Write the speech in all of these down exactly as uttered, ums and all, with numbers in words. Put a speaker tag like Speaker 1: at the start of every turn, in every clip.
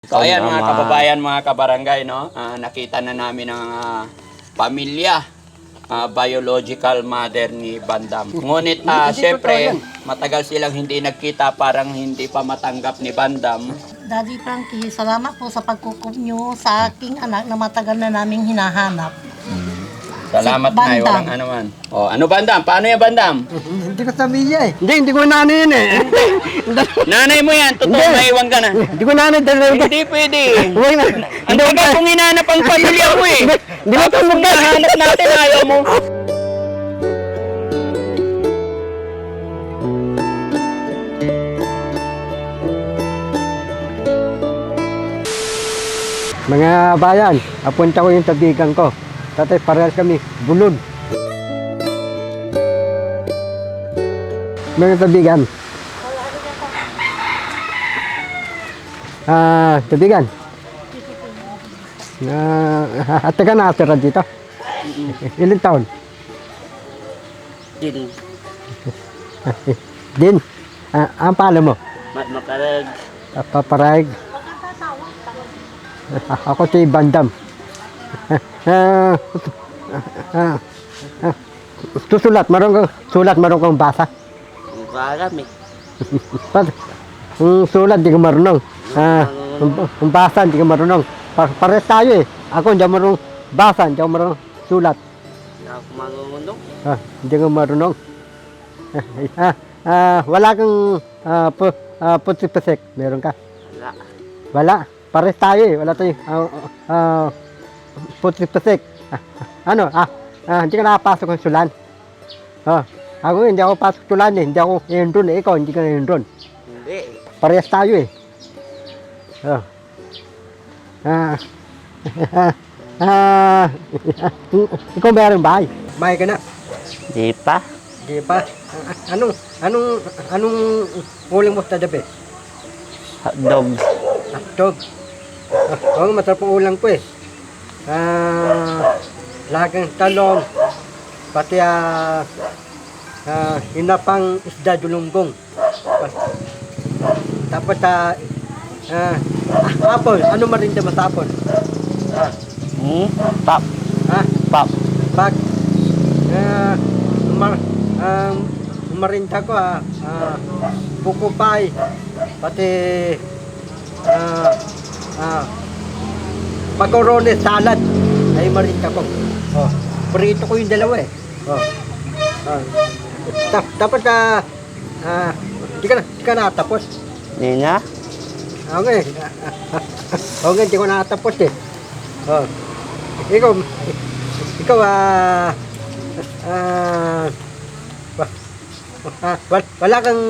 Speaker 1: So ayan mga kababayan, mga kabarangay, no? Ah, nakita na namin ang ah, pamilya, ah, biological mother ni Bandam. Ngunit ah, syempre, matagal silang hindi nagkita, parang hindi pa matanggap ni Bandam.
Speaker 2: Daddy Frankie, salamat po sa pagkukup nyo sa aking anak na matagal na naming hinahanap.
Speaker 1: Salamat
Speaker 2: Si
Speaker 1: na,
Speaker 2: Bandam.
Speaker 1: walang ano man. Oh, ano Bandam? Paano yan Bandam?
Speaker 3: Hindi ko sabihin eh. Hindi, hindi ko nanay yun eh.
Speaker 1: Nanay mo yan, totoo,
Speaker 3: Hindi.
Speaker 1: maiwan ka na.
Speaker 3: Hindi ko nanay dahil
Speaker 1: Hindi pwede.
Speaker 3: Huwag na.
Speaker 1: Ang tagal kong hinanap ang pamilya mo eh.
Speaker 3: Hindi mo
Speaker 1: Tapos kung nahanap natin, ayaw mo.
Speaker 3: Mga bayan, apunta ko yung tabigan ko. Tatay, parehas kami, bulod. Mga tabigan. Ah, tabigan. Ah, at ka na atira dito. Ilang taon?
Speaker 1: Din,
Speaker 3: Din. Ah, ang pala mo?
Speaker 1: makarag.
Speaker 3: Ah, Paparayag. Ah, Ako si Bandam. Ah, ah, ah, susulat, marunong kang sulat, marunong kang basa.
Speaker 1: Marami.
Speaker 3: Ang sulat, di ka marunong. Ah, ang- ang basa, di ka marunong. Pa pares tayo eh. Ako hindi ako marunong basa, hindi ako marunong sulat.
Speaker 1: Hindi ako marunong.
Speaker 3: Ah, hindi ka marunong. Ah, ah, wala kang ah, pu ah, putik-pusik. Meron ka?
Speaker 1: Wala.
Speaker 3: Wala. Pares tayo eh. Wala tayo. Ah, ah, putik-pusik. Ah, ano? Ah, ah, hindi ka nakapasok ng sulan. Ah, ako hindi ako pasok sulan eh. Hindi ako enron eh. Ikaw hindi ka enron.
Speaker 1: Hindi.
Speaker 3: Parehas tayo eh. Oh. Ah. ah. Ikaw meron bahay? Bahay ka na?
Speaker 1: Di pa.
Speaker 3: Di pa. Ah, Anong, anong, anong uling mo sa dabi?
Speaker 1: Hotdog.
Speaker 3: Hotdog. Ah, oh, masarap ang ulang ko eh. Ah, lagang talong. Pati ah, ah, hinapang isda dulunggong. Tapos ah, ah, ah, apple. Ano marinda mo sa apple? Ah,
Speaker 1: Hmm? Pap.
Speaker 3: ah,
Speaker 1: Pap.
Speaker 3: Pag uh, mar, um, marinda ko ah, ah, buko pie, pati ah, ah, macaroni salad ay marinda ko. Oh, prito ko yung dalawa eh. Oh. Ah. Ta tapos ah, ah, di ka na, di ka natapos.
Speaker 1: Hindi na?
Speaker 3: Okay. Okay, di ko natapos eh. Oh. Ikaw, ikaw ah, ah, wa- ah, wal- wala kang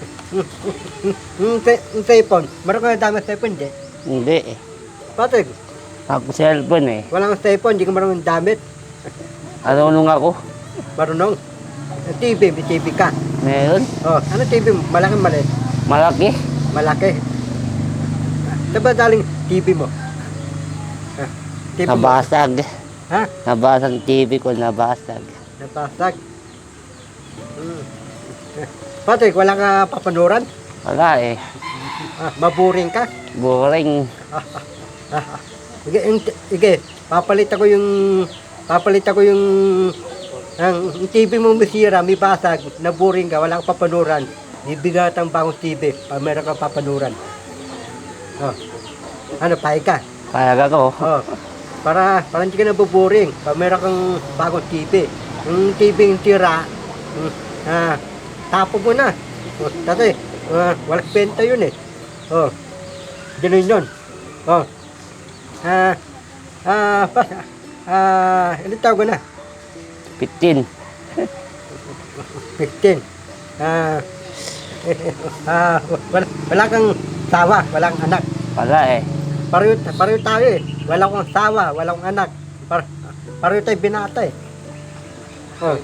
Speaker 3: yung cellphone. Meron ka na dami sa cellphone, di?
Speaker 1: Hindi eh.
Speaker 3: Patrick,
Speaker 1: Ako cellphone eh.
Speaker 3: wala kang cellphone, di ka marunong damit.
Speaker 1: Marunong ako.
Speaker 3: Marunong. T V, may T V ka.
Speaker 1: Meron.
Speaker 3: Oh, ano T V mo? Malaki maliit?
Speaker 1: Malaki.
Speaker 3: Malaki. Saan ba daling T V mo? Ah, T V mo?
Speaker 1: Nabasag.
Speaker 3: Ha?
Speaker 1: Nabasag T V ko, nabasag.
Speaker 3: Napasag. Hmm. Patrick, wala ka papanuran?
Speaker 1: Wala eh.
Speaker 3: Ah, maburing ka?
Speaker 1: Boring.
Speaker 3: Sige, yung- sige, papalit ako yung papalit ako yung ang yung T V mo masira, may basag, naburing ka, wala kang papanuran. Bibigatan pa akong T V, pa meron kang papanuran. Oh. Ano, pahay ka?
Speaker 1: Kaya ako.
Speaker 3: Oh. Para para hindi ka nabuburing, pa meron kang bagong T V. Yung T V yung tira, mm, ah, tapo mo na. Oh, tatay, uh, walang benta yun eh. Oh. Ganun yun. Oh. Ah, ah, pa, ah, ilan taon ka na?
Speaker 1: fifteen.
Speaker 3: fifteen. Ah, ah, wala, wala kang sawa, walang anak.
Speaker 1: Wala eh.
Speaker 3: Pareho, pareho tayo eh. Wala kang sawa, walang anak. Par, pareho tayo binata eh. Oh.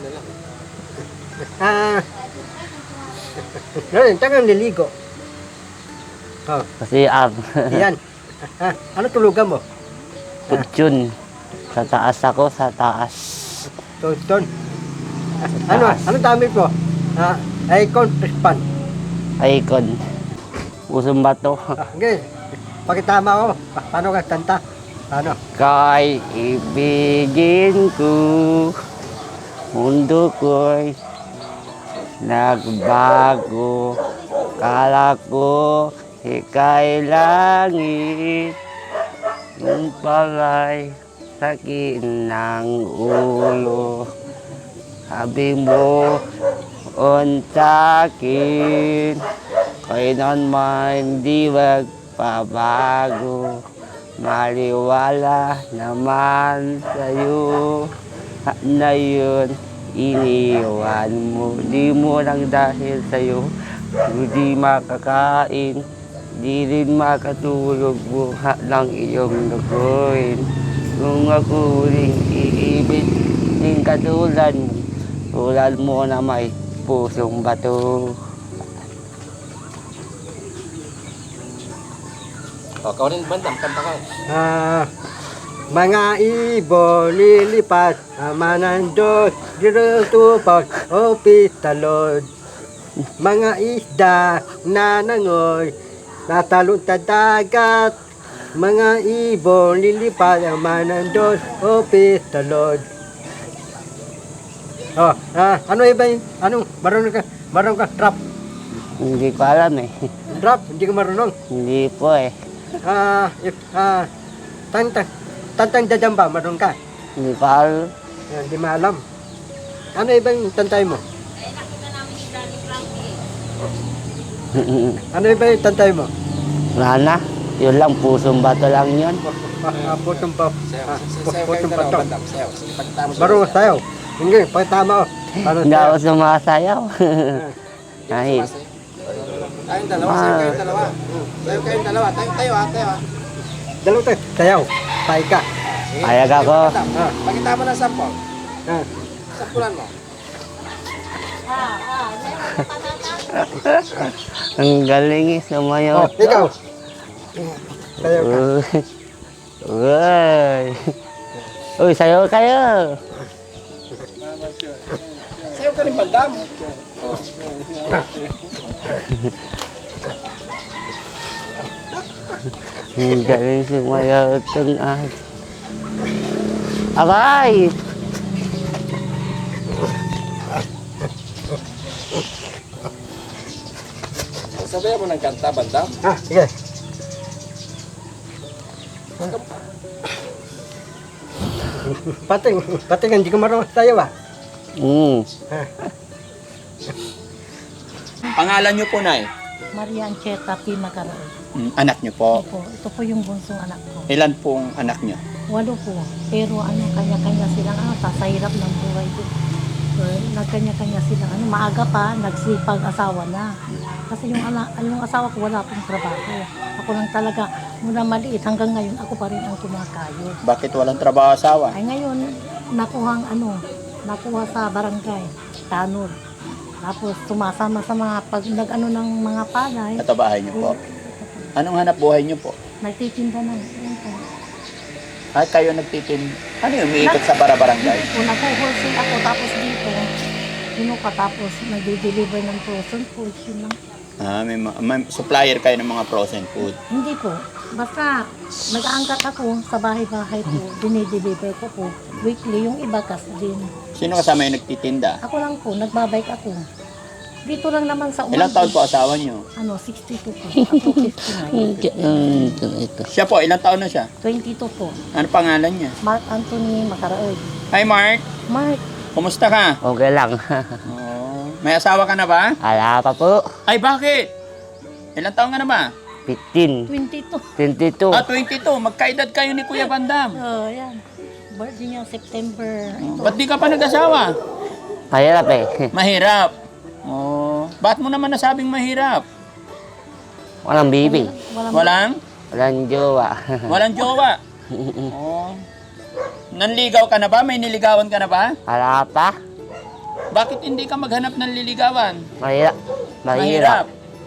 Speaker 3: Ah, ngayon, tagang niligo. Oh,
Speaker 1: Kasi ab.
Speaker 3: yan. Ah, ano tulugan mo?
Speaker 1: Kutsyon. Sa taas ako, sa taas.
Speaker 3: Tonton. Ano, ano damit mo? Ah, icon, pispan.
Speaker 1: Icon. Usong bato.
Speaker 3: Ah, okay. pakitama ko. Pa- paano ka kanta? Paano?
Speaker 4: Kay ibigin ko, mundo ko'y nagbago. Kala ko ika'y langit, yung pala'y sakit ng ulo. Sabi mo, on sa'kin, kailan man di magpabago. Maliwala naman sa'yo, na yun iniwan mo. Di mo lang dahil sa'yo, di makakain, di rin makatulog, buha ng iyong lukuin. Kung ako rin iibig, din katulad mo, tulad mo na may pusong bato.
Speaker 1: O, ikaw rin, Bandam, kanta ka.
Speaker 3: Ah, mga ibon lilipat, ama ng Diyos, dirutupag o pitalod. Mga isda na nangoy, natalon sa dagat. Mga ibon lilipat, ama ng Diyos o pitalod. Oh, ah, ano iba yun? Anong, marunong ka, marunong ka, rap.
Speaker 4: Hindi ko alam eh.
Speaker 3: Rap, hindi ka marunong.
Speaker 4: Hindi po eh.
Speaker 3: Ah, if, ah, tantang, tantang dadamba, marunong ka.
Speaker 4: Hindi ko alam.
Speaker 3: Yan, di maalam. Ano ibang tantay mo? Ano iba yung tantay mo?
Speaker 4: Wala na. Yun lang, pusong bato lang yun.
Speaker 3: Ah, putong pa. Ah, pu- putong pato. Marunong sayaw. Hindi, pagtama ko. Paano
Speaker 4: Hindi ako
Speaker 3: sayaw?
Speaker 4: sumasayaw. Ay,
Speaker 5: Tayong dalawa, sayo kayong dalawa. Sayo kayong dalawa. Tayo, tayo ha, tayo ha.
Speaker 3: Dalawa tayo. Sayaw. Tay ka.
Speaker 4: payag ako.
Speaker 3: Ah,
Speaker 5: Pakita mo ng sample.
Speaker 3: ah.
Speaker 5: Sampulan mo.
Speaker 4: Ang galing eh,
Speaker 3: Oh,
Speaker 4: sumayaw.
Speaker 3: ikaw. Sayaw ka.
Speaker 4: Uy. Uy, sayaw kayo.
Speaker 5: Sayo ka rin, Bandam.
Speaker 4: Ang galing sumayaw itong ah. Aray!
Speaker 5: Sabayan mo ng kanta, Bandam.
Speaker 3: Ah, sige. Pating, pating, hindi ko marunong sayaw ah.
Speaker 4: Mm.
Speaker 3: Ah.
Speaker 1: Pangalan niyo po, Nay?
Speaker 2: Maria Ancheta P. Macaraoy.
Speaker 1: Mm, anak niyo po.
Speaker 2: Opo, ito po yung bunsong anak ko.
Speaker 1: Ilan pong anak niyo?
Speaker 2: Walo po. Pero ano, kanya-kanya silang ano, sa hirap ng buhay ko. So, nagkanya-kanya silang ano, maaga pa, nagsipag asawa na. Kasi yung, ana, yung asawa ko wala pong trabaho. Ako lang talaga, mula maliit hanggang ngayon, ako pa rin ang kumakayod.
Speaker 1: Bakit walang trabaho asawa?
Speaker 2: Ay ngayon, nakuhang ano, nakuha sa barangay, tanod. Tapos sumasama sa mga pag nag-ano ng mga palay.
Speaker 1: Ito bahay niyo po. Anong hanap buhay niyo po?
Speaker 2: Nagtitinda ng yun po.
Speaker 1: Ay, kayo nagtitin... Ano yung umiikot sa barabarangay?
Speaker 2: Kung nag-wholesale ako tapos dito, kinuka tapos nag-deliver ng frozen food, yun lang.
Speaker 1: Ah, may, ma- may supplier kayo ng mga frozen food.
Speaker 2: Hindi po. Basta nag-aangkat ako sa bahay-bahay po, dinideliver ko po. Weekly, yung iba kas din.
Speaker 1: Sino kasama yung nagtitinda?
Speaker 2: Ako lang po, nagbabike ako. Dito lang naman sa
Speaker 1: Ilang taon po asawa niyo?
Speaker 2: Ano, sixty-two po. Ako fifty-nine.
Speaker 4: Mm, ito, ito.
Speaker 1: Siya po, ilang taon na siya?
Speaker 2: twenty-two po.
Speaker 1: Ano pangalan niya?
Speaker 2: Mark Anthony Macaraoy.
Speaker 1: Hi, Mark.
Speaker 2: Mark,
Speaker 1: Kumusta ka?
Speaker 4: Okay lang.
Speaker 1: Oh, may asawa ka na ba?
Speaker 4: Ala pa po.
Speaker 1: Ay, bakit? Ilang taon ka na ba?
Speaker 4: fifteen.
Speaker 2: twenty-two.
Speaker 4: twenty-two.
Speaker 1: Ah, twenty-two. Magkaedad kayo ni Kuya Bandam.
Speaker 2: Oh, yan. Birthday niya September. Ito.
Speaker 1: Ba't di ka pa nag-asawa?
Speaker 4: Mahirap eh.
Speaker 1: Mahirap. Oh, ba't mo naman nasabing mahirap?
Speaker 4: Walang bibi.
Speaker 2: Walang,
Speaker 1: Walang?
Speaker 4: Walang jowa.
Speaker 1: Walang jowa. Oh. Nanligaw ka na ba? May niligawan ka na ba?
Speaker 4: Ala pa.
Speaker 1: Bakit hindi ka maghanap ng liligawan?
Speaker 4: Mahirap. Mahirap.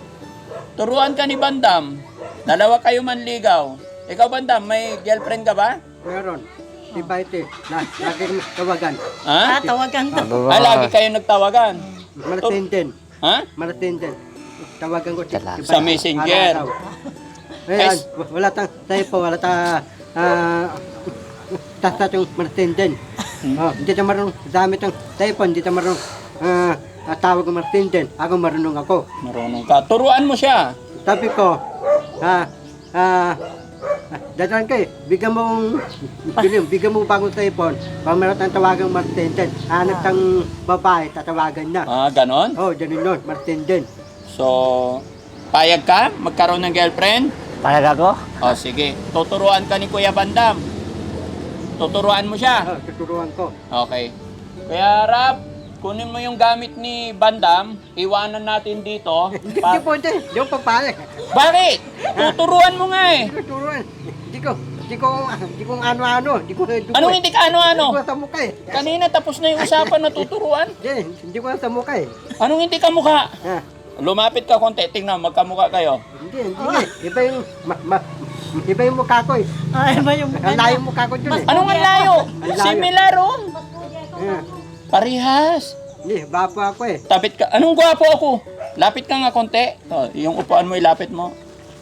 Speaker 1: Turuan ka ni Bandam. Dalawa kayo manligaw. Ikaw, Bandam, may girlfriend ka ba?
Speaker 3: Meron. Iba ito. Na, lagi kami tawagan.
Speaker 1: Ha?
Speaker 2: Ah, tawagan to.
Speaker 1: Ah, lagi kayo nagtawagan.
Speaker 3: Malatenden.
Speaker 1: Ha?
Speaker 3: Malatenden. Tawagan ko.
Speaker 4: Tala.
Speaker 3: iba-
Speaker 1: Sa messenger.
Speaker 3: araw-araw. Ayan,
Speaker 1: Ay,
Speaker 3: wala tang tayo po, wala ta ah tasta yung Martin din. Oh, hindi ta marunong gamit ang typon, hindi ta marunong ah ah, tawag ng Martin din. Ako marunong ako.
Speaker 1: Marunong ka. Turuan mo siya.
Speaker 3: Sabi ko, ah ah dadaan kay, bigyan mo bigyan, bigyan mo bagong typon. Pag meron tang tawagang Martin din, hanap tang babae, tatawagan na.
Speaker 1: Ah, ganon?
Speaker 3: Oh, ganun nun, Martin din.
Speaker 1: So, payag ka? Magkaroon ng girlfriend?
Speaker 4: Payag ako?
Speaker 1: O, sige. Tuturuan ka ni Kuya Bandam. Tuturuan mo siya.
Speaker 3: Oh, tuturuan ko.
Speaker 1: Okay. Kaya, Rab, kunin mo yung gamit ni Bandam. Iwanan natin dito.
Speaker 3: Hindi
Speaker 1: Pa-
Speaker 3: po, hindi. Hindi ko papayag.
Speaker 1: Bakit? Tuturuan mo nga eh.
Speaker 3: Hindi ko turuan. Hindi ko, hindi ko, hindi ko ano-ano. Hindi ko, hindi ko,
Speaker 1: Anong hindi ka
Speaker 3: Hindi
Speaker 1: ano-ano?
Speaker 3: ko sa mukha eh.
Speaker 1: Kanina tapos na yung usapan na tuturuan.
Speaker 3: Hindi, hindi ko sa mukha eh.
Speaker 1: Anong hindi ka mukha?
Speaker 3: Ha,
Speaker 1: Lumapit ka konti. Tingnan, magkamukha kayo.
Speaker 3: hindi, hindi eh. Iba yung, ma, ma, iba yung mukha ko eh.
Speaker 2: Ay, ba yung
Speaker 3: Ang layo yung mukha ko dun eh.
Speaker 1: Anong ang layo?
Speaker 3: Ang layo.
Speaker 1: Similar oh.
Speaker 3: Ha,
Speaker 1: Parehas.
Speaker 3: Hindi, bapo ako eh.
Speaker 1: Tapit ka. Anong gwapo ako? Lapit ka nga konti. Oh, yung upuan mo ilapit mo.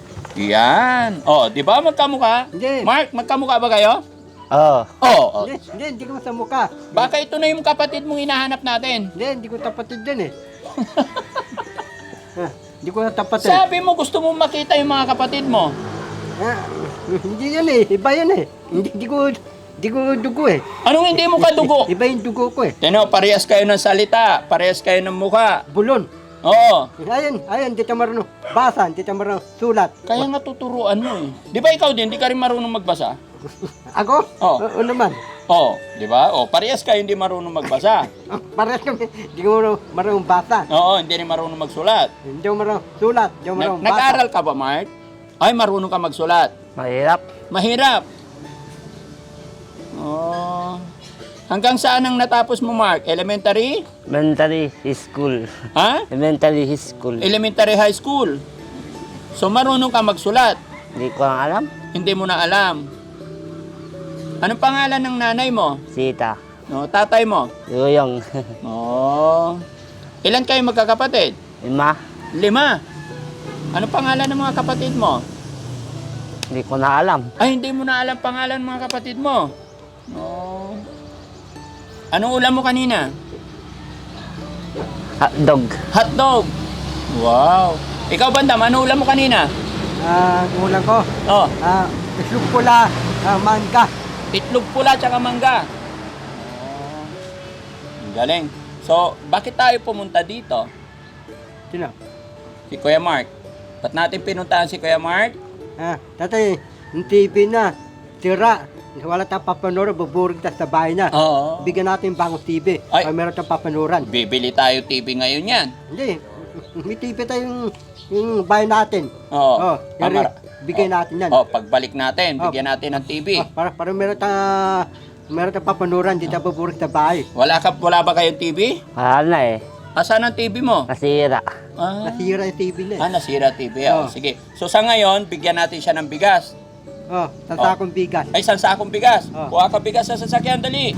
Speaker 1: Yan. Oh, di ba magkamukha?
Speaker 3: Hindi.
Speaker 1: Mark, magkamukha ba kayo?
Speaker 4: Oo.
Speaker 1: Oh, oh.
Speaker 3: Hindi, hindi, hindi ko sa mukha.
Speaker 1: Baka ito na yung kapatid mong hinahanap natin.
Speaker 3: Hindi, hindi ko tapatid dun eh. Ha, hindi ko na tapatid.
Speaker 1: Sabi mo gusto mo makita yung mga kapatid mo.
Speaker 3: Ha, hindi yan eh. Iba yan eh. Hindi, hindi ko, hindi ko dugo eh.
Speaker 1: Anong hindi mo kadugo?
Speaker 3: Iba yung dugo ko eh.
Speaker 1: Tino, parehas kayo ng salita. Parehas kayo ng mukha.
Speaker 3: Bulon.
Speaker 1: Oo.
Speaker 3: Ayan, ayan, di ka marunong basa, di ka marunong sulat.
Speaker 1: Kaya nga tuturuan mo eh. Di ba ikaw din, di ka rin marunong magbasa?
Speaker 3: Ako?
Speaker 1: Oo.
Speaker 3: Oo naman.
Speaker 1: Oo, di ba? Oh, parehas kayo hindi marunong magbasa.
Speaker 3: Ah, Parehas kami, di ko marunong, marunong basa.
Speaker 1: Oo, hindi rin marunong magsulat.
Speaker 3: Hindi ko marunong sulat, di ko
Speaker 1: Nag-
Speaker 3: marunong basa.
Speaker 1: nag-aral ka ba, Mark? Ay, marunong ka magsulat.
Speaker 4: Mahirap.
Speaker 1: Mahirap. Oh. Hanggang saan ang natapos mo, Mark? Elementary?
Speaker 4: Elementary school.
Speaker 1: Ha?
Speaker 4: Elementary school.
Speaker 1: Elementary high school. So, marunong ka magsulat.
Speaker 4: Hindi ko ang alam.
Speaker 1: Hindi mo na alam. Anong pangalan ng nanay mo?
Speaker 4: Sita.
Speaker 1: No, tatay mo?
Speaker 4: Yuyong.
Speaker 1: Oh. Ilan kayo magkakapatid?
Speaker 4: Lima.
Speaker 1: Lima. Anong pangalan ng mga kapatid mo?
Speaker 4: Hindi ko na alam.
Speaker 1: Ay, hindi mo na alam pangalan ng mga kapatid mo. Oh. Anong ulam mo kanina?
Speaker 4: Hotdog.
Speaker 1: Hotdog. Wow. Ikaw, Bandam, ano ulam mo kanina?
Speaker 3: Ah, ulang ko,
Speaker 1: Oh,
Speaker 3: ah, islog pula, ah, mangga.
Speaker 1: itlog pula tsaka mangga. Oh. Ang galing. So, bakit tayo pumunta dito?
Speaker 3: Sino?
Speaker 1: Si Kuya Mark. Ba't natin pinuntahan si Kuya Mark?
Speaker 3: Ah, tatay, yung T V na, tira. Wala tayong papanood, buburig tayo sa bahay na.
Speaker 1: Oo.
Speaker 3: Bigyan natin bagong T V.
Speaker 1: Ay.
Speaker 3: Ay, meron tayong papanuran.
Speaker 1: Bibili tayo T V ngayon yan.
Speaker 3: Hindi, may T V tayong yung bahay natin.
Speaker 1: Oo.
Speaker 3: Oh, yari,
Speaker 1: Amara.
Speaker 3: bigay
Speaker 1: Oh.
Speaker 3: natin yan.
Speaker 1: Oh, pagbalik natin,
Speaker 3: Oh.
Speaker 1: bigyan natin ng T V.
Speaker 3: Ah, para, para meron tayong, meron tayong papanuran, di tayo buburig sa bahay.
Speaker 1: Wala ka, wala ba kayong T V?
Speaker 4: Wala na eh.
Speaker 1: Asan ang T V mo?
Speaker 4: Nasira.
Speaker 1: Ah,
Speaker 3: Nasira yung T V na eh.
Speaker 1: ah nasira T V. Oh.
Speaker 3: Oh.
Speaker 1: Sige. So sa ngayon, bigyan natin siya ng bigas.
Speaker 3: Oh, sa
Speaker 1: Oh.
Speaker 3: sakong bigas.
Speaker 1: Ay, isang sakong bigas.
Speaker 3: Oh.
Speaker 1: Kuha ka bigas sa sasakyan, dali.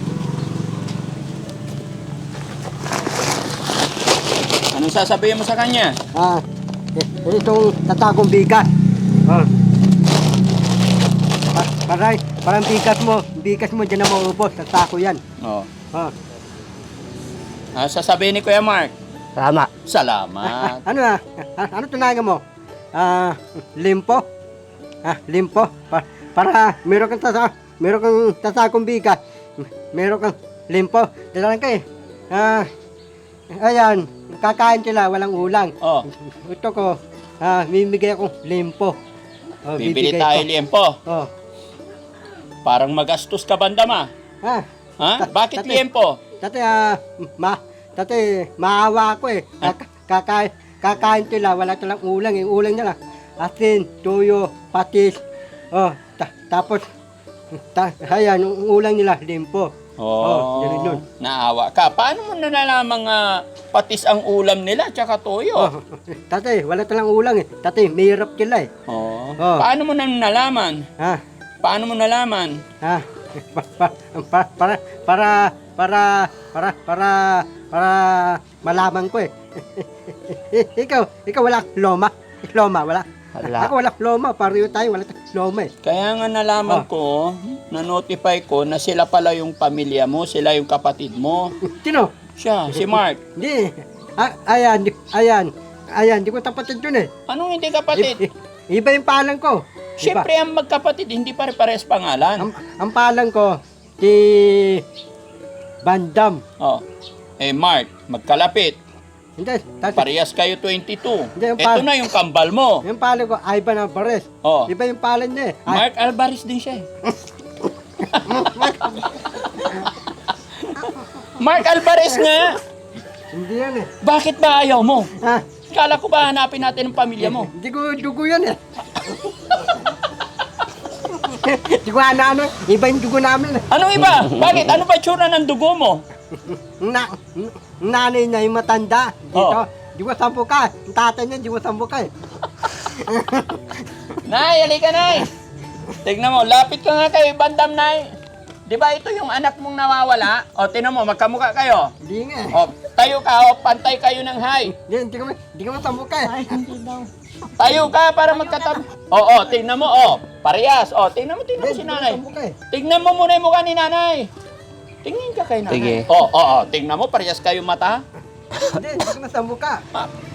Speaker 1: Anong sasabihin mo sa kanya?
Speaker 3: Ah, eh, itong tatagong bigas. Oh. Pa paray, parang bigas mo, bigas mo dyan na maubos, sa sako yan.
Speaker 1: Oh.
Speaker 3: Oh.
Speaker 1: Ah, sasabihin ni Kuya Mark,
Speaker 4: Tama.
Speaker 1: salamat.
Speaker 3: Ano ah, ah, ano tunagan mo? Ah, limpo? Ah, limpo? Pa para meron kang tasa, meron kang tasakong bigas, meron kang limpo. Dalalan ka eh. Ah, ayan, kakain sila, walang ulang.
Speaker 1: Oh,
Speaker 3: Ito ko, ah, mimigay akong limpo. Oh,
Speaker 1: bibili
Speaker 3: bibigay
Speaker 1: tayo
Speaker 3: ko.
Speaker 1: liempo.
Speaker 3: Oh.
Speaker 1: Parang magastos ka, Bandam, ah.
Speaker 3: Ah,
Speaker 1: Ha?
Speaker 3: Ta-
Speaker 1: Bakit
Speaker 3: tate.
Speaker 1: liempo?
Speaker 3: Dati, ah, ma, dati, maawa ako eh. Kaka, kakain, kakain sila, wala silang ulang. Yung ulang nila, asin, tuyo, patis. Oh, ta, tapos, ta, ayan, yung ulang nila, limpo.
Speaker 1: Oh,
Speaker 3: ganun yun.
Speaker 1: naawa ka. Paano mo nalalamang ah, patis ang ulam nila tsaka toyo?
Speaker 3: Oh, dati, wala silang ulang eh. Dati, mahirap sila eh.
Speaker 1: Oh.
Speaker 3: Oh.
Speaker 1: Paano mo na nalaman?
Speaker 3: Ha,
Speaker 1: Paano mo nalaman?
Speaker 3: ha, pa, pa, pa, para, para, para, para, para, para, malaman ko eh. ikaw, ikaw wala loma. Loma, wala.
Speaker 4: Wala.
Speaker 3: Ako wala loma, pareho tayo, wala tayong loma eh.
Speaker 1: Kaya nga nalaman
Speaker 3: Oh.
Speaker 1: ko, na-notify ko na sila pala yung pamilya mo, sila yung kapatid mo.
Speaker 3: Sino?
Speaker 1: Siya, si Mark.
Speaker 3: Hindi. Ah, ayan, di- ayan. Ayan, di ko tapatid yun eh.
Speaker 1: Anong hindi kapatid?
Speaker 3: I- i- iba yung palang ko. Iba.
Speaker 1: Siyempre, ang magkapatid, hindi pare-pares pangalan.
Speaker 3: Ang, ang palang ko, si Bandam.
Speaker 1: Oh. Eh, Mark, magkalapit.
Speaker 3: Hindi, tati,
Speaker 1: Parehas kayo twenty-two.
Speaker 3: Hindi, yung
Speaker 1: Ito
Speaker 3: pa-
Speaker 1: na yung kambal mo.
Speaker 3: yung palang ko, Ivan Alvarez.
Speaker 1: Oh.
Speaker 3: Iba yung palang niya eh. Ay,
Speaker 1: Mark Alvarez din siya eh. Mark Alvarez nga.
Speaker 3: hindi yan eh.
Speaker 1: Bakit ba ayaw mo?
Speaker 3: Ha?
Speaker 1: Kala ko ba hanapin natin ang pamilya mo?
Speaker 3: Hindi ko dugo yan eh. Hindi ko ano-ano, iba yung dugo namin eh.
Speaker 1: Anong iba? Bakit? Ano ba tsura ng dugo mo?
Speaker 3: Na, n- nanay na yung matanda. Dito,
Speaker 1: Oh.
Speaker 3: di ko sampo ka. Ang tatay niya, di ko sampo ka eh.
Speaker 1: Nay, halika Nay. Tignan mo, lapit ka nga kay Bandam, Nay. Di ba ito yung anak mong nawawala? O, tinan mo, magkamukha kayo.
Speaker 3: Hindi nga eh.
Speaker 1: O, tayo ka, o, pantay kayo ng high.
Speaker 3: Hindi, hindi ko, hindi ko sampo ka eh.
Speaker 2: Ay, hindi daw.
Speaker 1: Tayo ka para magkatab... Oo, tingnan mo, o. Parehas. O, tingnan mo, tingnan mo si
Speaker 3: Hindi, hindi ko
Speaker 1: nanay.
Speaker 3: sampo ka eh.
Speaker 1: Tingnan mo muna yung mukha ni nanay. Tingin ka kay nanay.
Speaker 4: Sige.
Speaker 1: O, o, o. Tingnan mo, parehas kayo mata.
Speaker 3: Hindi, hindi ko sampo ka.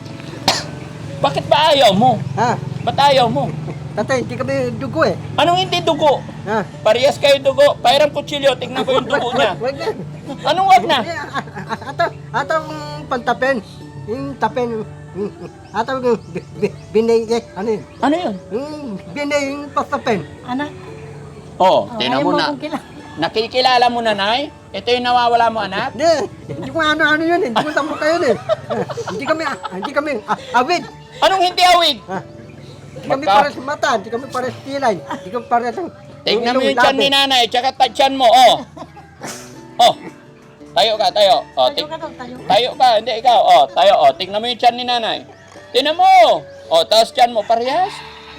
Speaker 1: Bakit ba ayaw mo?
Speaker 3: Ha?
Speaker 1: Ba't ayaw mo?
Speaker 3: Tatay, hindi kami dugo eh.
Speaker 1: Anong hindi dugo?
Speaker 3: Ha?
Speaker 1: Parehas kayo dugo. Pairam kutsilyo, tingnan ko yung dugo niya.
Speaker 3: Wag na.
Speaker 1: Anong wag na?
Speaker 3: Eh, a- a- Ato, ato ang pantapen. Yung tapen. yung- Ato yung bi- bi- binay, eh, ano yun?
Speaker 1: Ano yun?
Speaker 3: Yung binay, yung pastapen.
Speaker 2: Anak,
Speaker 1: Oh,
Speaker 2: oh,
Speaker 1: tingnan
Speaker 2: ayaw
Speaker 1: mo na.
Speaker 2: akong kila-
Speaker 1: Nakikilala mo na, Nay? Ito yung nawawala mo, anak?
Speaker 3: Hindi, hindi ko ano-ano yun eh. Hindi ko sampo kayo eh. Ah, Hindi kami, ah, hindi kami ah, awid.
Speaker 1: Anong hindi awig?
Speaker 3: Ha? Hindi kami
Speaker 1: Magka-
Speaker 3: pares mata, hindi kami pares kilay, hindi kami pares ang...
Speaker 1: Tingnan mo
Speaker 3: ilong,
Speaker 1: yung tiyan
Speaker 3: labi.
Speaker 1: ni nanay, tsaka tatsyan mo, oh. Oh, tayo ka, tayo. Oh,
Speaker 2: Tayo
Speaker 1: ting-
Speaker 2: ka daw, tayo.
Speaker 1: tayo ka, hindi ikaw. Oh, tayo, oh. Tingnan mo yung tiyan ni nanay. Tingnan mo. Oh, tapos tiyan mo, parehas?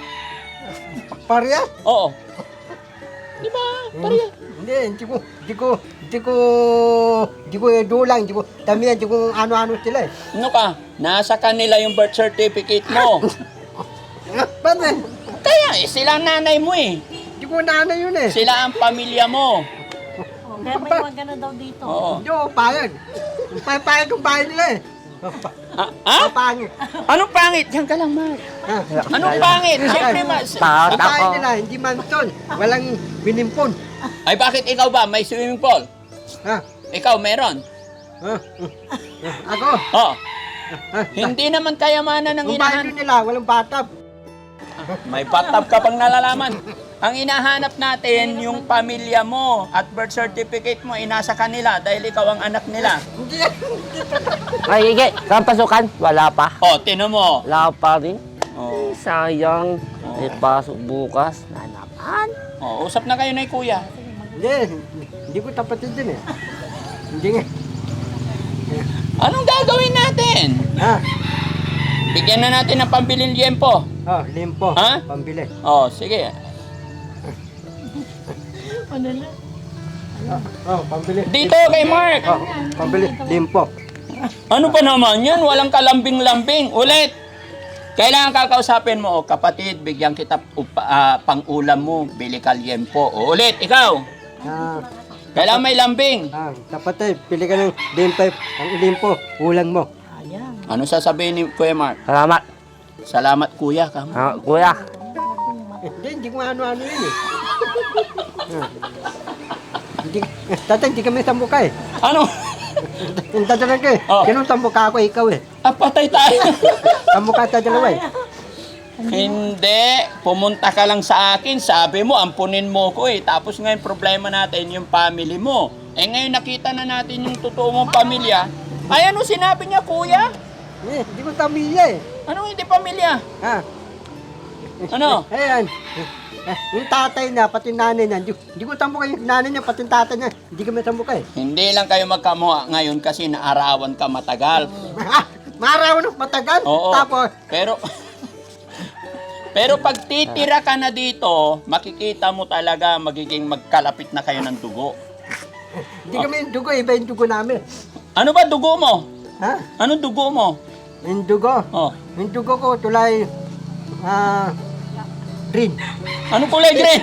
Speaker 3: Parehas?
Speaker 1: Oo. Di ba? Parehas.
Speaker 3: Hindi, hindi ko, hindi ko, hindi ko, hindi ko dulang, hindi ko, damihan, hindi ko ano-ano sila eh.
Speaker 1: Ano ka? Nasa kanila yung birth certificate mo.
Speaker 3: Ah, Ba't eh?
Speaker 1: Kaya, eh, sila ang nanay mo eh.
Speaker 3: Hindi ko naano yun eh.
Speaker 1: Sila ang pamilya mo.
Speaker 2: Oh, kaya may wag ka na daw dito.
Speaker 1: Oo.
Speaker 3: Hindi ko payag. Payag kong bahay nila eh.
Speaker 1: Ah, ah?
Speaker 3: Papangit.
Speaker 1: Anong pangit? Diyan ka lang, Mark.
Speaker 3: Ha?
Speaker 1: Anong pangit? Siyempre, mas...
Speaker 4: Takot
Speaker 3: Ang bahay
Speaker 4: ako.
Speaker 3: nila, hindi mansion. Walang binimpon.
Speaker 1: Ay, bakit ikaw ba? May swimming pool?
Speaker 3: Ha?
Speaker 1: Ikaw, meron?
Speaker 3: Ha? Ako?
Speaker 1: Oo.
Speaker 3: Ha?
Speaker 1: Hindi naman kayamanan ng
Speaker 3: Ang bahay
Speaker 1: inahanap.
Speaker 3: nila, walang bathtub.
Speaker 1: May bathtub ka pang nalalaman. Ang inahanap natin, yung pamilya mo at birth certificate mo, inasa kanila dahil ikaw ang anak nila.
Speaker 3: Hindi yan.
Speaker 4: Ay, Ige, saan pasukan? Wala pa.
Speaker 1: O, tinan mo.
Speaker 4: Wala pa rin.
Speaker 1: O,
Speaker 4: Sayang. May pasok bukas. Na naman.
Speaker 1: o, usap na kayo na kuya.
Speaker 3: Hindi, hindi ko tapatid din eh. Hindi nga.
Speaker 1: Anong gagawin natin?
Speaker 3: Ha?
Speaker 1: Bigyan na natin ng pambilin liempo.
Speaker 3: Oh, limpo.
Speaker 1: Ha?
Speaker 3: Pambili.
Speaker 1: O, sige.
Speaker 2: Ano na?
Speaker 3: Oh, oh, pambili.
Speaker 1: Dito kay Mark.
Speaker 3: Oh, pambili. Limpo.
Speaker 1: Ano ba naman yan? Walang kalambing-lambing. Ulit. Kailangan kakausapin mo, o kapatid, bigyan kita upa, ah, pang-ulam mo, bili ka liempo. O, ulit, ikaw.
Speaker 3: Ah,
Speaker 1: Kailangan may lambing.
Speaker 3: ah, tapatid. Pili ka ng limpo. Ang limpo. Ulang mo.
Speaker 2: Ayan.
Speaker 1: Ano sasabihin ni Kuya Mark?
Speaker 4: Salamat.
Speaker 1: Salamat kuya ka.
Speaker 4: Ah, kuya.
Speaker 3: Eh, Hindi, hindi ko ano-ano yun eh. Ah. Hindi, eh, tatay, hindi kami sambuka eh.
Speaker 1: Ano?
Speaker 3: Yung tatalan ka eh.
Speaker 1: Oh.
Speaker 3: Ganun sambuka ako, ikaw eh.
Speaker 1: Ah, patay tayo.
Speaker 3: Sambuka sa dalawa eh.
Speaker 1: Hindi. Pumunta ka lang sa akin. Sabi mo, ampunin mo ko eh. Tapos ngayon, problema natin yung family mo. Eh ngayon, nakita na natin yung totoo mong pamilya. Ay, ano sinabi niya, kuya?
Speaker 3: Eh, hindi ko tamilya eh.
Speaker 1: Anong hindi pamilya?
Speaker 3: Ha?
Speaker 1: Ano?
Speaker 3: Ayan. Eh, yung tatay na, pati nanay na, hindi, hindi ko tambuka yung nanay niya, pati yung tatay niya, hindi kami tambuka eh.
Speaker 1: Hindi lang kayo magkamuha ngayon kasi naarawan ka matagal.
Speaker 3: Ah, Maraw na matagal.
Speaker 1: Oo.
Speaker 3: Tapos,
Speaker 1: Pero Pero pag titira ka na dito, makikita mo talaga magiging magkalapit na kayo ng dugo.
Speaker 3: hindi kami yung dugo, iba yung dugo namin.
Speaker 1: Ano ba dugo mo?
Speaker 3: Ha?
Speaker 1: Anong dugo mo?
Speaker 3: Yung dugo.
Speaker 1: Oh.
Speaker 3: Yung dugo ko, tulay, ah, green.
Speaker 1: Anong kulay green?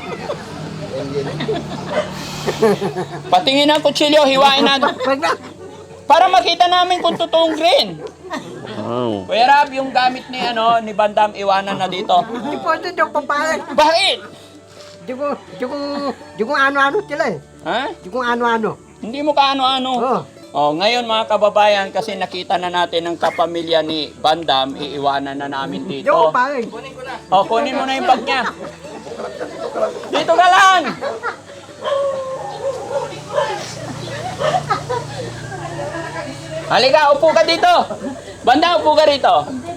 Speaker 1: Patingin ang kutsilyo, hiwain natin.
Speaker 3: Wag na.
Speaker 1: Para makita namin kung totoong green.
Speaker 4: Oh.
Speaker 1: Kuya Rab, yung gamit ni ano ni Bandam iwanan na dito.
Speaker 3: Di po ito yung papayag.
Speaker 1: Bakit?
Speaker 3: Di ko, di ko, di ko ano-ano sila eh.
Speaker 1: Ha?
Speaker 3: Di ko ano-ano.
Speaker 1: Hindi mo kaano-ano.
Speaker 3: Oh.
Speaker 1: Oh, ngayon mga kababayan, kasi nakita na natin ang kapamilya ni Bandam, iiwanan na namin
Speaker 3: Di
Speaker 1: dito.
Speaker 3: ko papayag.
Speaker 1: Oh, kunin mo na yung bag niya. Dito ka lang! Halika, upo ka dito. Banda, upo ka rito.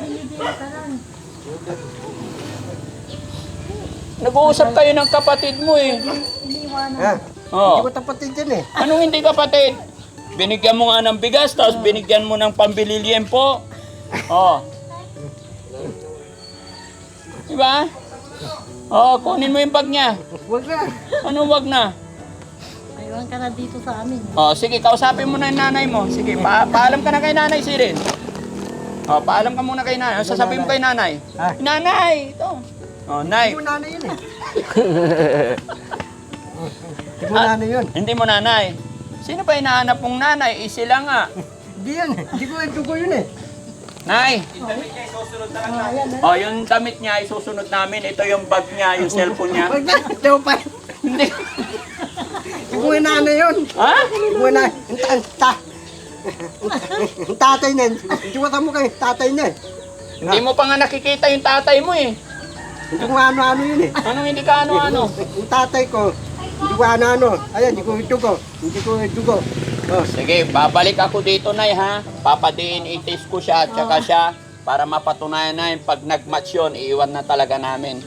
Speaker 1: Nag-uusap kayo ng kapatid mo eh.
Speaker 3: Ha?
Speaker 1: Oh.
Speaker 3: Di ko tapatin dyan eh.
Speaker 1: Anong hindi kapatid? Binigyan mo nga ng bigas, tapos binigyan mo ng pambili liempo. Oh. Diba? Oh, kunin mo yung bag niya.
Speaker 3: Wag na.
Speaker 1: Ano wag na?
Speaker 2: Aywan ka na dito sa amin.
Speaker 1: Oh, sige, kausapin mo na yung nanay mo. Sige, pa paalam ka na kay nanay, Sirin. Oh, paalam ka muna kay nanay. Ano sasabihin mo kay nanay?
Speaker 3: Ha?
Speaker 1: Nanay, ito. Oh,
Speaker 3: Di
Speaker 1: nay.
Speaker 3: mo nanay yun eh. Di mo nanay yun.
Speaker 1: Hindi mo nanay. Sino ba hinahanap mong nanay? Eh, sila nga.
Speaker 3: Di yun eh. Di ko dugo yun eh.
Speaker 1: Nay. Oh, yung damit niya isusunod namin. Ito yung bag niya, yung cellphone niya.
Speaker 3: Wag na. Di ko pa.
Speaker 1: Hindi.
Speaker 3: Di ko nanay yun.
Speaker 1: Ha?
Speaker 3: Di ko nanay. Ang ta- ang ta- ang tatay niya. Di ko tamo kayo. Tatay niya eh.
Speaker 1: Hindi mo pa nga nakikita yung tatay mo eh.
Speaker 3: Hindi ko ano-ano yun eh.
Speaker 1: Anong hindi ka ano-ano?
Speaker 3: Yung tatay ko. Hindi ko ano-ano. Ayan, hindi ko dugo. Hindi ko dugo. Oh.
Speaker 1: Sige, babalik ako dito, Nay, ha? Papadiin itis ko siya, tsaka siya, para mapatunayan na yung pag nag-match yun, iiwan na talaga namin.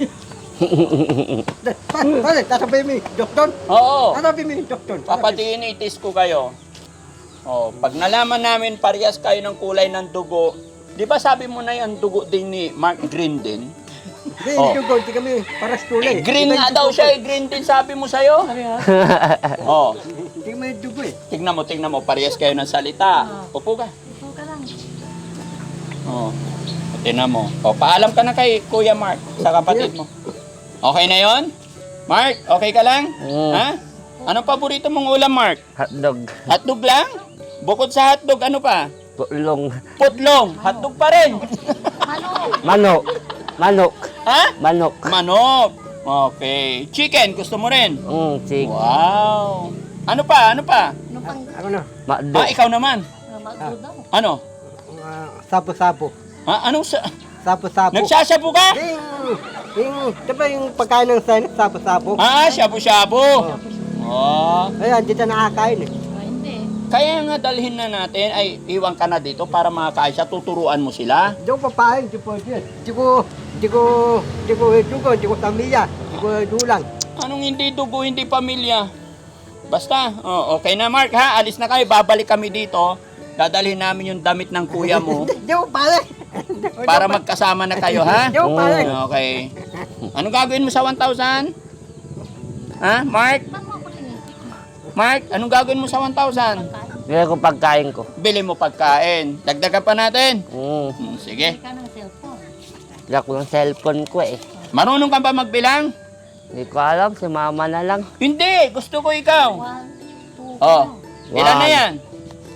Speaker 3: Pare, tasabihin mo yung doktor.
Speaker 1: Oo,
Speaker 3: Tasabihin mo yung doktor.
Speaker 1: papadiin itis ko kayo. Oh, pag nalaman namin parehas kayo ng kulay ng dugo, di ba sabi mo na yung dugo din ni Mark Green din?
Speaker 3: Hindi,
Speaker 1: Oh.
Speaker 3: hindi dugo. Hindi kami paras kulay.
Speaker 1: Eh, green nga daw siya, eh, green din sabi mo sa'yo. Oh,
Speaker 3: Hindi kami dugo eh.
Speaker 1: tignan mo, tignan mo, parehas kayo ng salita. Upo ka.
Speaker 2: Ito ka lang.
Speaker 1: Oh, tignan mo. Oh, paalam ka na kay Kuya Mark sa kapatid mo. Okay na yon? Mark, okay ka lang?
Speaker 4: Mm.
Speaker 1: Ha? Anong paborito mong ulam, Mark?
Speaker 4: Hotdog.
Speaker 1: Hotdog lang? Bukod sa hotdog, ano pa?
Speaker 4: Pulong.
Speaker 1: Putlong. Hotdog pa rin.
Speaker 4: Manok. Manok.
Speaker 1: Ha?
Speaker 4: Manok.
Speaker 1: Manok. Okay. Chicken, gusto mo rin?
Speaker 4: Mm, sik.
Speaker 1: Wow. Ano pa? Ano pa?
Speaker 2: Ano pang
Speaker 3: Ako na.
Speaker 4: Makdo.
Speaker 1: Ah, ikaw naman.
Speaker 2: uh, magdo daw?
Speaker 1: Ano?
Speaker 3: Uh, sabo-sabo.
Speaker 1: Ha? Anong sa...
Speaker 3: Sabo-sabo.
Speaker 1: Nagsasabu ka?
Speaker 3: Yung, yung, diba yung pagkain ng sign, sabo-sabo?
Speaker 1: Ah, shabu-shabu. Oh.
Speaker 3: Ayan, dito nakakain eh.
Speaker 2: Ah, hindi.
Speaker 1: Kaya nga dalhin na natin, ay iwan ka na dito para makakain siya, tuturuan mo sila.
Speaker 3: Hindi ko papain, hindi po dyan. Hindi ko, hindi ko, hindi ko dugo, hindi ko tamiya, hindi ko dulang.
Speaker 1: Anong hindi dugo, hindi pamilya? Basta, oh, okay na Mark ha, alis na kayo, babalik kami dito. Dadalhin namin yung damit ng kuya mo
Speaker 3: Hindi ko papain.
Speaker 1: para magkasama na kayo ha.
Speaker 3: Hindi ko papain.
Speaker 1: Okay. Anong gagawin mo sa one thousand? Ha, Mark?
Speaker 2: Ba't mo ako tinitik?
Speaker 1: Mark, anong gagawin mo sa one thousand?
Speaker 4: Bigay ko pagkain ko.
Speaker 1: Bili mo pagkain. Dagdagan pa natin.
Speaker 4: Mm.
Speaker 1: Hmm, sige.
Speaker 2: Hindi ka ng cellphone.
Speaker 4: Bigay ko ng cellphone ko eh.
Speaker 1: Marunong ka ba magbilang?
Speaker 4: Hindi ko alam, si mama na lang.
Speaker 1: Hindi, gusto ko ikaw.
Speaker 2: One, two,
Speaker 1: Oh,
Speaker 2: ka
Speaker 1: ilan na
Speaker 4: One.
Speaker 1: yan?
Speaker 2: na.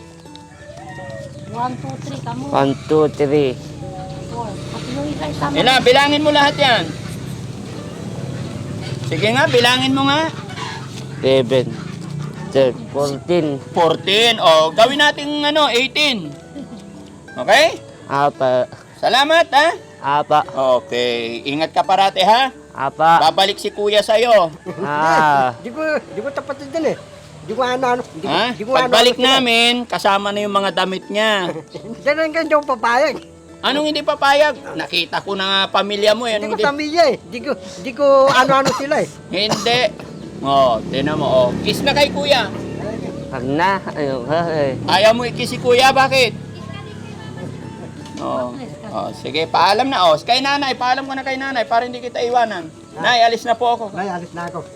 Speaker 2: One, two, three ka mo.
Speaker 4: One, two, three.
Speaker 2: Four. At yung isa isama.
Speaker 1: Ilan? Bilangin mo lahat yan. Sige nga, bilangin mo nga.
Speaker 4: Seven. Third. Fourteen.
Speaker 1: fourteen. O, gawin natin ano, eighteen. Okay?
Speaker 4: Apa.
Speaker 1: Salamat, ha?
Speaker 4: Apa.
Speaker 1: Okay. Ingat ka parate, ha?
Speaker 4: Apa.
Speaker 1: Babalik si kuya sa'yo.
Speaker 4: Ah.
Speaker 3: Hindi ko, hindi ko tapatin dyan eh. Hindi ko ano-ano. Hindi ko,
Speaker 1: Ha?
Speaker 3: hindi ko
Speaker 1: Pagbalik
Speaker 3: ano-ano sila.
Speaker 1: namin, kasama na yung mga damit niya.
Speaker 3: Diyan lang hindi ko papayag.
Speaker 1: Anong hindi papayag? Nakita ko na nga pamilya mo. eh.
Speaker 3: Hindi
Speaker 1: Anong
Speaker 3: ko
Speaker 1: hindi?
Speaker 3: tamiya eh. Hindi ko, hindi ko ano-ano sila eh.
Speaker 1: Hindi. Oh, tinan mo. Oh. Kiss na kay kuya.
Speaker 4: Wag na. Ayun, eh.
Speaker 1: Ayaw mo i-kiss si kuya, bakit? Oh. Oh, sige, paalam na. Oh, kay nanay, paalam ko na kay nanay para hindi kita iwanan. Nay, alis na po ako.
Speaker 3: Ay, alis na ako.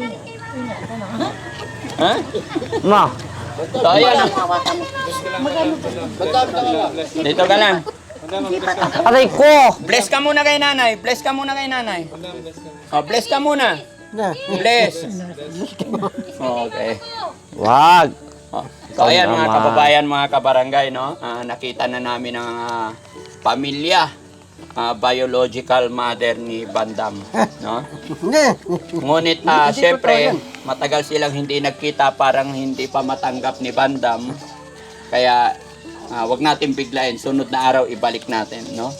Speaker 1: Ha?
Speaker 4: Ma.
Speaker 1: So, ayan. Dito ka lang.
Speaker 4: Aray ko!
Speaker 1: Bless ka muna kay nanay. Bless ka muna kay nanay. Oh, bless ka muna.
Speaker 3: Na.
Speaker 1: Bless. Okay.
Speaker 4: Wag!
Speaker 1: Oh. So ayan mga
Speaker 4: Naman.
Speaker 1: kababayan, mga kabarangay, no? Ah, nakita na namin ang ah, pamilya, ah, biological mother ni Bandam, no?
Speaker 3: Hindi.
Speaker 1: Ngunit ah,
Speaker 3: Hindi
Speaker 1: syempre,
Speaker 3: totoo yan.
Speaker 1: matagal silang hindi nagkita, parang hindi pa matanggap ni Bandam. Kaya ah, wag natin biglayin, sunod na araw ibalik natin, no?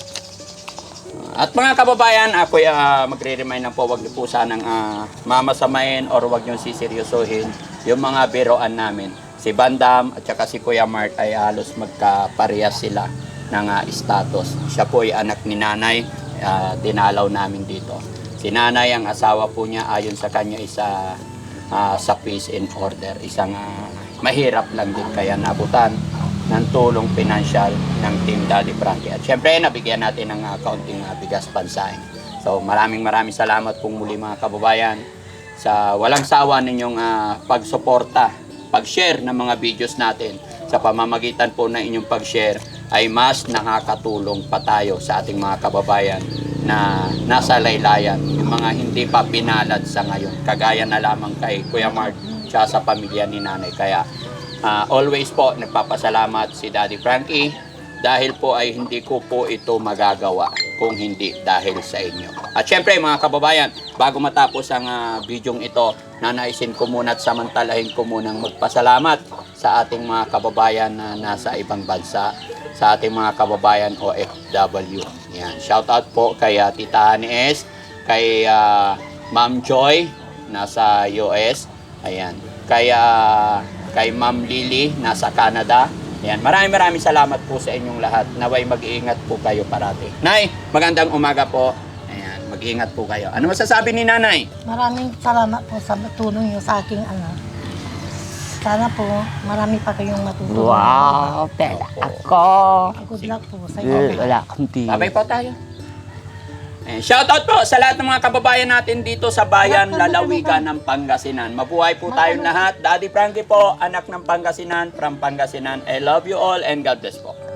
Speaker 1: At mga kababayan, ako uh, magre-remind lang po, wag niyo po sanang uh, mamasamain or wag niyo siseryosohin yung mga biroan namin. Si Bandam at saka si Kuya Mark ay halos magkaparehas sila ng uh, status. Siya po ay anak ni nanay, uh, dinalaw namin dito. Si nanay, ang asawa po niya, ayon sa kanya, isa uh, sa peace and order. Isang uh, mahirap lang din, kaya nabutan ng tulong pinansyal ng Team Daddy Frankie. At syempre, nabigyan natin ng uh, kaunting uh, bigas pansaing. So maraming maraming salamat pong muli mga kababayan sa walang sawa ninyong uh, pagsuporta, pag-share ng mga videos natin. Sa pamamagitan po ng inyong pag-share ay mas nakakatulong pa tayo sa ating mga kababayan na nasa laylayan, yung mga hindi pa pinalad sa ngayon. Kagaya na lamang kay Kuya Mark siya sa pamilya ni nanay. Kaya Uh, always po nagpapasalamat si Daddy Frankie dahil po ay hindi ko po ito magagawa kung hindi dahil sa inyo. At syempre mga kababayan, bago matapos ang uh, bidyong ito, nanaisin ko muna at samantalahin ko munang magpasalamat sa ating mga kababayan na nasa ibang bansa, sa ating mga kababayan O F W. Yan. Shout out po kay uh, Tita Hanes, kay uh, Ma'am Joy nasa U S. Ayan. Kay uh, kay Ma'am Lily, nasa Canada. Ayan, maraming maraming salamat po sa inyong lahat. Naway mag-iingat po kayo parati. Nay, magandang umaga po. Ayan, mag-iingat po kayo. Ano masasabi ni nanay?
Speaker 2: Maraming salamat po sa tulong niyo sa aking anak. Sana po, marami pa kayong matutulungan.
Speaker 4: Wow! Pera ako!
Speaker 2: Good luck po sa
Speaker 4: Eh,
Speaker 2: inyo.
Speaker 4: wala akong tingin.
Speaker 1: Sabay po tayo. Ayan, shoutout po sa lahat ng mga kababayan natin dito sa bayan Lalawigan ng Pangasinan. Mabuhay po tayong lahat. Daddy Frankie po, anak ng Pangasinan, from Pangasinan. I love you all and God bless po.